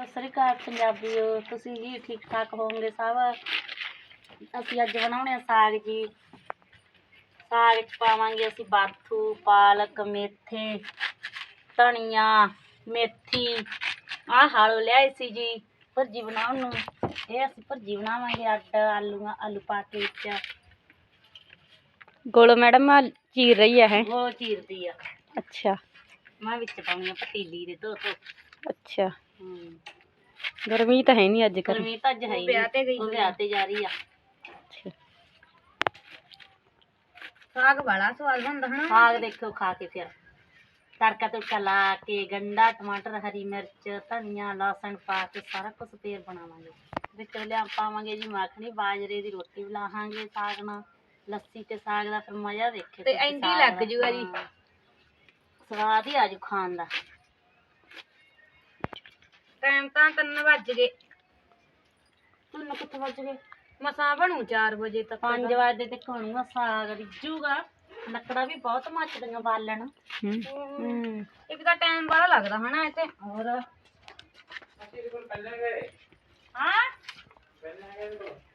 ਸਤਿ ਸ੍ਰੀ ਅਕਾਲ ਪੰਜਾਬੀਓ, ਤੁਸੀਂ ਜੀ ਠੀਕ ਠਾਕ ਹੋਵੋਗੇ ਸਭ। ਅਸੀਂ ਅੱਜ ਬਣਾਉਣੇ ਆ ਸਾਗ ਜੀ। ਸਾਗ 'ਚ ਪਾਵਾਂਗੇ ਅਸੀਂ ਬਾਥੂ, ਪਾਲਕ, ਮੇਥੇ, ਧਨੀਆ, ਮੇਥੀ। ਆਹ ਹਾਲੋ ਲਿਆਏ ਸੀ ਜੀ ਭੁਰਜੀ ਬਣਾਉਣ ਨੂੰ। ਇਹ ਅਸੀਂ ਭੁਰਜੀ ਬਣਾਵਾਂਗੇ ਅੱਡ ਆਲੂ ਪਾ ਕੇ ਵਿੱਚ। ਗੋਲੋ ਮੈਡਮ ਚੀਰ ਰਹੀ ਹੈ ਉਹ ਚੀਰਦੀ ਆ। ਅੱਛਾ ਮੈਂ ਵਿੱਚ ਪਾਉਣੀ ਆ ਪਤੀਲੀ ਦੇ ਧੋ। ਅੱਛਾ ਗਰਮੀ ਤਾਂ ਹੈ ਨਹੀਂ ਅੱਜ ਕੱਲ੍ਹ। ਗਰਮੀ ਤਾਂ ਅੱਜ ਹੈ ਹੀ ਨਹੀਂ, ਉਹ ਵਿਆਹ ਤੇ ਜਾ ਰਹੀ ਆ। ਅੱਛਾ ਸਾਗ ਬੜਾ ਸਵਾਦ ਬਣਦਾ ਹੈ। ਸਾਗ ਦੇਖੋ ਖਾ ਕੇ ਫਿਰ ਤੜਕਾ ਤੁੜਕਾ ਲਾ ਕੇ ਗੰਢਾ, ਟਮਾਟਰ, ਹਰੀ ਮਿਰਚ, ਧਨੀਆ, ਲਸਣ ਪਾ ਕੇ ਸਾਰਾ ਕੁਝ ਫੇਰ ਬਣਾਵਾਂਗੇ। ਵਿੱਚ ਲਿਆ ਪਾਵਾਂਗੇ ਜੀ ਮੱਖਣੀ, ਬਾਜਰੇ ਦੀ ਰੋਟੀ ਬਣਾਵਾਂਗੇ ਸਾਗ ਨਾਲ। ਲੱਸੀ ਤੇ ਸਾਗ ਦਾ ਫਿਰ ਮਜ਼ਾ ਦੇਖਿਓ ਤੇ ਐਂਡੀ ਲੱਗ ਜੂਗਾ ਜੀ। ਸਵਾਦ ਹੀ ਆਜੂ ਖਾਣ ਦਾ। ਟਾਈਮ ਤਾਂ 3 ਵੱਜ ਗਏ। ਤੁਹਾਨੂੰ ਕਿੱਥੇ ਵੱਜ ਗਏ? ਮਸਾਂ ਬਣੂ 4 ਵਜੇ ਤੱਕ। 5 ਵਜੇ ਤੱਕ ਬਣੂਗਾ ਸਾਗ, ਰਿੱਝੂਗਾ। ਲੱਕੜਾਂ ਵੀ ਬਹੁਤ ਮੱਚਦੀਆਂ ਬਾਲਣ। ਇੱਕ ਤਾਂ ਟਾਈਮ ਬੜਾ ਲੱਗਦਾ ਹਨਾ ਇੱਥੇ। ਹੋਰ ਹਾਂ